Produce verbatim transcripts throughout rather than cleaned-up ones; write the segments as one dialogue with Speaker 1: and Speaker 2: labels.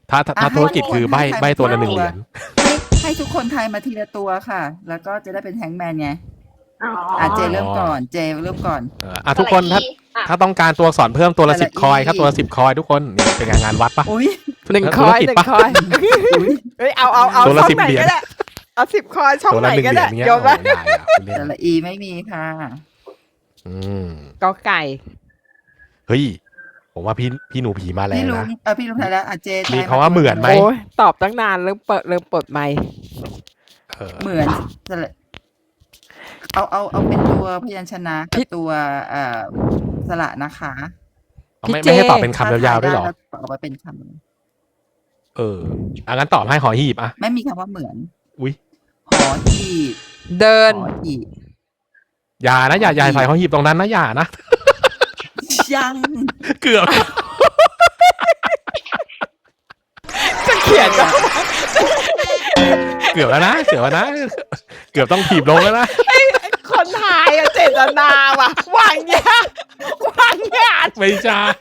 Speaker 1: ถ้าถ้าถ้าธุรกิจคือใบใบตัวละหนึ่งเหรียญ
Speaker 2: ให้ให้ทุกคนทายมาทีละตัวค่ะ แล้วก็จะได้เป็นแฮงก์แมนไง
Speaker 3: อ๋อ
Speaker 2: อ่ะเจเริ่มก่อน เจเริ่มก่อน
Speaker 1: เอออ่ะทุกคนถ้าถ้าต้องการตัวอักษรเพิ่มตัวละสิบคอยครับตัวละสิบคอยทุกคนนี่เป็นงานวัดปะ
Speaker 2: อุ้ย
Speaker 4: หนึ่งคอยหนึ่งคอยเฮ้ยเอาเอาเอา
Speaker 1: ตัวละ
Speaker 4: ช่อง
Speaker 1: สิบ
Speaker 4: ไหน
Speaker 1: เหรียญ
Speaker 4: ก็ได้เอาสิบคอยช่อง
Speaker 1: ตัว
Speaker 4: ไหน
Speaker 1: ละหนึ่ง
Speaker 4: ก็
Speaker 1: เหรี
Speaker 4: ได้
Speaker 1: ยญเงี้ย
Speaker 4: โยน
Speaker 1: โอ้
Speaker 4: มา
Speaker 1: โหได้อะคุณเล่น
Speaker 2: แต่ละอีไม่มีค่ะ
Speaker 1: อืม
Speaker 4: กอไก่
Speaker 1: เฮ้ยผมว่าพี่พี่หนูผีมาแล้
Speaker 2: พี่
Speaker 1: ว
Speaker 2: ลุง
Speaker 1: นะ
Speaker 2: เออพี่ลุงทายแล้วอ่ะเจทาย
Speaker 1: มีคำว่าเหมือนไหม
Speaker 4: โอ้ยตอบตั้งนานเริ่มเปิดเริ่มเปิดไมค์
Speaker 1: เออ
Speaker 2: เหมือนสระเอาเอาเอาเป็นตัวพยัญชนะกับตัวเอ่อสระนะคะ
Speaker 1: ไม่ไม่ให้ตอบเป็นคำยาวๆด้วยเหรอ
Speaker 2: ถ้าทาได้แล้วตอบมาเป็นค
Speaker 1: เอออ่ะงั้นตอบให้หอหีบอ่ะ
Speaker 2: ำไม่มีคำว่าเหมือน
Speaker 1: อุ้ย
Speaker 2: หอหีบ
Speaker 4: เดิน
Speaker 2: หอหีบ
Speaker 1: อย่านะอย่าอย่าใส่หอหีบตรงนั้นนะอย่านะ
Speaker 2: ยัง
Speaker 1: เกือบ
Speaker 4: จะเขียนก็
Speaker 1: เกือบแล้วนะเกือบแล้วนะเกือบต้องถีบลงแล้วนะ
Speaker 4: คนทายอะเจตนาว่ะวางยาวางงาน
Speaker 1: ไม่ใช่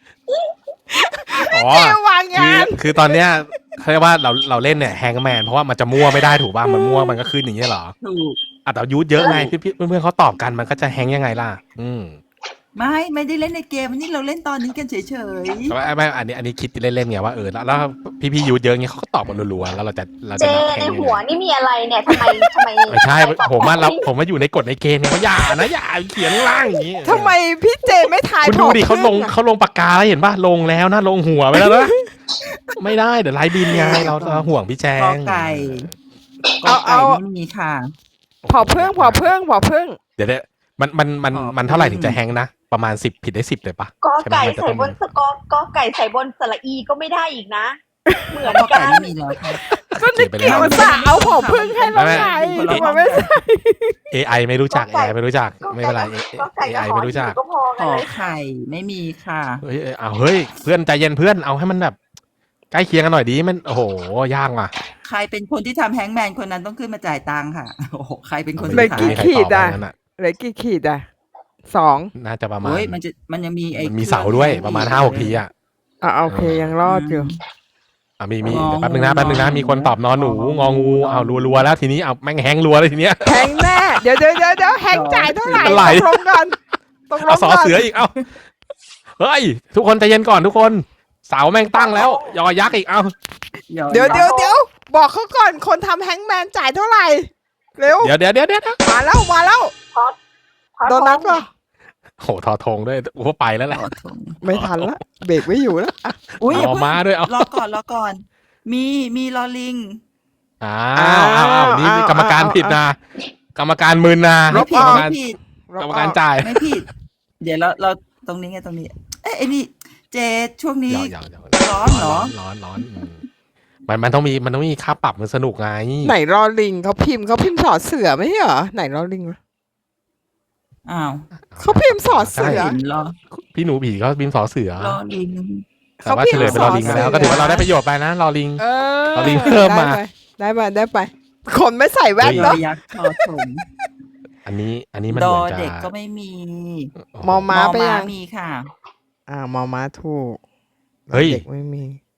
Speaker 1: อ๋อ
Speaker 4: เจวาง
Speaker 1: คื
Speaker 4: งา
Speaker 1: อน คือตอนเนี้ยเขาเรียกว่าเราเราเล่นเนี่ยแฮงแมนเพราะว่ามันจะมั่วไม่ได้ถูกป่ะมันมั่วมันก็ขึ้นอย่างเงี้ยเหรอ
Speaker 2: ถูก
Speaker 1: อ่ะแต่ยูทเยอะไงพี่พี่เพื่อนๆเขาตอบกันมันก็จะแฮงยังไงล่ะ อืม
Speaker 2: ไม่ไม่ได้เล่นในเกมอันนี้เราเล่นตอนนี้กันเฉย
Speaker 1: แต่ว่าไม่อันนี้อันนี้คิดเล่นๆไงว่าเออแล้วแล้วพี่พี่ยูทเยอะเงี้ยเขาก็ตอบกันรัวๆแล้วเราจะเรา
Speaker 3: เจ
Speaker 1: จะนับแฮ
Speaker 3: ใน
Speaker 1: งยัง
Speaker 3: หัว
Speaker 1: ไง
Speaker 3: นี่มีอะไรเนี่ยทำไมทำไม
Speaker 1: ไม่ใช่
Speaker 3: ทำไ
Speaker 1: ผมว่าเรา
Speaker 3: ตอบ
Speaker 1: ผมว่าอยู่ในกฎในเกมเนี่ยว่าอย่านะอย่าเขียนข้างล่างอย่างงี้
Speaker 4: ทำไมพี่เจไม่ทาย
Speaker 1: คุณดูดิ
Speaker 4: ผ
Speaker 1: เขาลง
Speaker 4: อะ
Speaker 1: เขาลงปากกาแล้วเห็นป่ะลงแล้วนะลงหัวไปแล้วนะ ไม่ได้เดี๋ยวไล่บินไงเราเราห่วงพี่แจ
Speaker 2: ๆกอง ไก่กอไก่ไม่มีค่ะ
Speaker 4: พอเพิ่งพอเพิ่งพอเพิ่ง
Speaker 1: เดี๋ยวเดี๋ยวมันมันมัน
Speaker 2: อ๋อ
Speaker 1: มันเท่าไหร่ถึงจะแฮงนะประมาณสิบผิดได้สิบเลยปะ
Speaker 3: กอไก่
Speaker 1: ใช่ไหมมันจะ
Speaker 3: ใส่
Speaker 1: ต้อง
Speaker 3: บนสกอกอไก่ใส่บนสระอีก็ไม่ได้อีกนะ เหมือน
Speaker 2: กอ
Speaker 3: กั
Speaker 2: ไก่
Speaker 3: น
Speaker 2: ไม่มีแล้วค่ะ
Speaker 4: ก็นึกเกี่ยวสาเอาพอเพิ่งให้เราไง
Speaker 2: ไม่ไม่
Speaker 4: ทำไมไม่ใช่
Speaker 1: เอไอไม่รู้จัก
Speaker 3: ก
Speaker 1: เอ
Speaker 3: ไก่
Speaker 1: ไอไม่รู้จัก
Speaker 3: ก็
Speaker 1: ไม่เป็นไร
Speaker 3: ก็ไก่
Speaker 1: เอ
Speaker 3: กับ
Speaker 1: ไอ
Speaker 3: หอ
Speaker 1: ไม่รู้จัก
Speaker 3: ก็พอ
Speaker 2: ข
Speaker 3: กัน
Speaker 2: อ
Speaker 3: เลย
Speaker 2: ไข่ไม่มีค่ะ
Speaker 1: เฮ้ยเอาเฮ้ยเพื่อนใจเย็นเพื่อนเอาให้มันแบบใกล้เคียงกันหน่อยดีมันโอ้โหยากว่ะ
Speaker 2: ใครเป็นคนที่ทำแฮงก์แมนคนนั้นต้องขึ้นมาจ่ายตังค่ะโอ้โหใครเป็นคน
Speaker 4: เลย
Speaker 2: ขา
Speaker 4: กี่
Speaker 2: ย
Speaker 1: ไม่มีใคร
Speaker 4: ขี
Speaker 1: ตอบ
Speaker 4: ดอ่ะ
Speaker 1: ว่างั้นอะ
Speaker 4: เหลือกี่ขีดอ่ะสอง
Speaker 1: น่าจะประมาณ
Speaker 2: โอ้ยมันจะมันยังมีไอ้
Speaker 1: มันมีเสาด้วยประมาณห้าหกทีอ่ะ
Speaker 4: อ่ะโอเคยังรอดอยู่
Speaker 1: อ่ะมีมีเดี๋ยวแป๊บนึงนะแป๊บนึงนะมีคนตอบนอนหนูงองูเอารัวๆแล้วทีนี้เอาแม่งแฮงรัวเลยทีเนี้ย
Speaker 4: แฮงแน่เดี๋ยวเดี๋ยวเดี๋ยวเดี๋ยวแฮงจ่ายเท่าไหร่
Speaker 1: อะไร
Speaker 4: ตกลงกันตกล
Speaker 1: เอา
Speaker 4: ง
Speaker 1: สอ
Speaker 4: กัน
Speaker 1: เสืออีกเอาเฮ้ยทุกคนใจเย็นก่อนทุกคนเสาแม่งตั้งแล้วยอยักษ์อีกเอา
Speaker 4: เดี๋ยวเดี๋ยวเดี๋ยวบอกเขาก่อนคนทำแฮงแมนจ่ายเท่าไหร่เร็ว
Speaker 1: เดี๋ยวเดี๋ยวเดี๋ยวเดี๋ยว
Speaker 4: มาแล้วมาแล้ว โดนัทป่ะ
Speaker 1: โหทอทงด้วยโอ้ไปแล้วแหละ
Speaker 2: ขอโทษ
Speaker 4: ไม่ทันละเบรกไม่อยู่แล้วอ่ะ
Speaker 2: อุ้ยอย่า
Speaker 1: เอา
Speaker 2: เพิ่ง
Speaker 1: มาด้วยเอา
Speaker 2: รอก่อนรอก่อน มีมีลอลิง
Speaker 1: อ้าวอ้าวอ้าวนี่นี่กรรมการผิดนะกรรมการมึนนะ
Speaker 2: ไม่
Speaker 1: ก
Speaker 2: ผิ
Speaker 1: ร
Speaker 2: ด
Speaker 1: รม
Speaker 2: ไม่
Speaker 1: การ
Speaker 2: ผิด
Speaker 1: กรรมการจ่าย
Speaker 2: ไม่ผิด เดี๋ยวเราเราตรงนี้ไงตรงนี้ เอ้ยไอ้นี่เจช่วงนี้
Speaker 1: ยาวยาวยาว
Speaker 2: ร้อนเหรอ
Speaker 1: ร้อนร้อนอืมมันมันต้องมีมันต้องมีค่าปรับมันสนุกไง
Speaker 4: ไหนรอลิงเขาพิมพ์เขาพิมพ์สอเสือไม่ใช่เหรอไหนรอลิงวะ
Speaker 2: อ้าว
Speaker 4: เขาพิมพ์สอเสือ
Speaker 2: เห็นรอ
Speaker 1: พี่หนูผีเขาบินสอเสือ
Speaker 2: รอลิง
Speaker 1: แต่ว่าเฉลยเป็นรอลิงไปแล้วก็ถือว่าเราได้ประโยชน์ไปนะรอลิง
Speaker 4: เออ
Speaker 1: รอลิงเพิ่มมา
Speaker 4: ได้ไปได้ไป คนไม่ใส่แว่น
Speaker 2: ยอ
Speaker 4: เนาะ
Speaker 2: ยักษ์ชอถม
Speaker 1: อันนี้อันนี้มัน
Speaker 2: ด
Speaker 1: เห
Speaker 2: อ
Speaker 1: มือนจะ
Speaker 2: เด็กก็ไม่มี
Speaker 4: มอม้าไป
Speaker 2: มอ
Speaker 4: ยัง
Speaker 2: มีค่ะ
Speaker 4: อ่ามอม้าถูก
Speaker 1: เฮ้ย
Speaker 4: เด็กไม่มี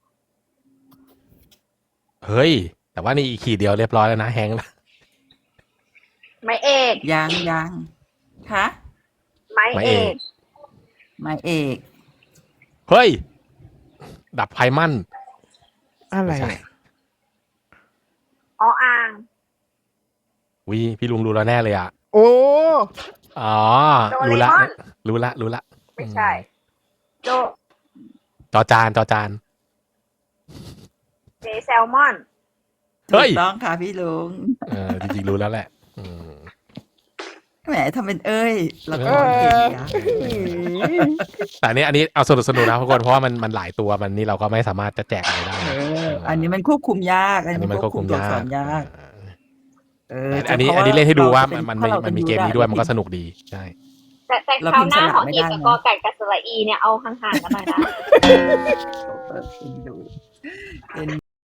Speaker 1: เฮ้ย แต่ว่านี่อีกขีดเดียวเรียบร้อยแล้วนะแฮงค์แล้ว
Speaker 3: ไม้เอก
Speaker 2: ยังยังคะ
Speaker 3: ไม้เอก
Speaker 2: หมายเอก
Speaker 1: เฮ้ย ดับไพมัน
Speaker 4: อะไร
Speaker 1: ไม่ใช่
Speaker 3: ออ่าง
Speaker 1: วิพี่ลุงรู้แล้วแน่เลยอ่ะ
Speaker 4: โอ้
Speaker 1: อ๋อ
Speaker 3: โดเร
Speaker 1: รู้ละ
Speaker 3: มอน
Speaker 1: รู้ละรู้ละ
Speaker 3: ไม่ใช่ โจ
Speaker 1: จอจานจอจาน
Speaker 3: เจแซลมอน
Speaker 1: เฮ้
Speaker 2: ถู
Speaker 1: ย
Speaker 2: กต้องค่ะพี่ลุง
Speaker 1: เออจริงๆรู้แล้วแหละอืม
Speaker 2: แหมทำเป็นเอ้ยแล้วก็
Speaker 1: เออ
Speaker 2: เก่งนะ
Speaker 1: แต่อันนี้อันนี้เอาสนุกสนุกนะทุกคนเพราะว่ามันมันหลายตัวมันนี่เราก็ไม่สามารถจะแจกอะไรได้
Speaker 2: เอออันนี้มันควบคุมยาก อัน
Speaker 1: อัน
Speaker 2: นี้
Speaker 1: นี้
Speaker 2: มั
Speaker 1: มัน น
Speaker 2: ค
Speaker 1: คว ว
Speaker 2: บบ คุ
Speaker 1: คุ
Speaker 2: ม
Speaker 1: ม
Speaker 2: ตัวอัก
Speaker 1: ยา
Speaker 2: ษ
Speaker 1: ก
Speaker 2: รยาก เออ
Speaker 1: อันนี้
Speaker 2: เพ
Speaker 1: อั
Speaker 2: ราะ
Speaker 1: นนี้เล่นให้ดูว่า
Speaker 2: เรา
Speaker 1: มัน
Speaker 2: ถ้า
Speaker 1: มัน
Speaker 2: เรา
Speaker 1: มันมี
Speaker 2: จะ
Speaker 1: เกมนี้
Speaker 2: ได้
Speaker 1: ด้วยมันก็สนุกดีใช่
Speaker 3: แต่แต่
Speaker 2: เรา
Speaker 3: คราว
Speaker 2: พิมพ์
Speaker 3: หน้า
Speaker 2: สลับ
Speaker 3: หอ
Speaker 2: ไม่
Speaker 3: หีบ
Speaker 2: ได้
Speaker 3: กับ
Speaker 2: นะ
Speaker 3: กอไก่กับสระอีเนี่ยเอาห่างๆกันหน่อยนะ
Speaker 2: เปิดดู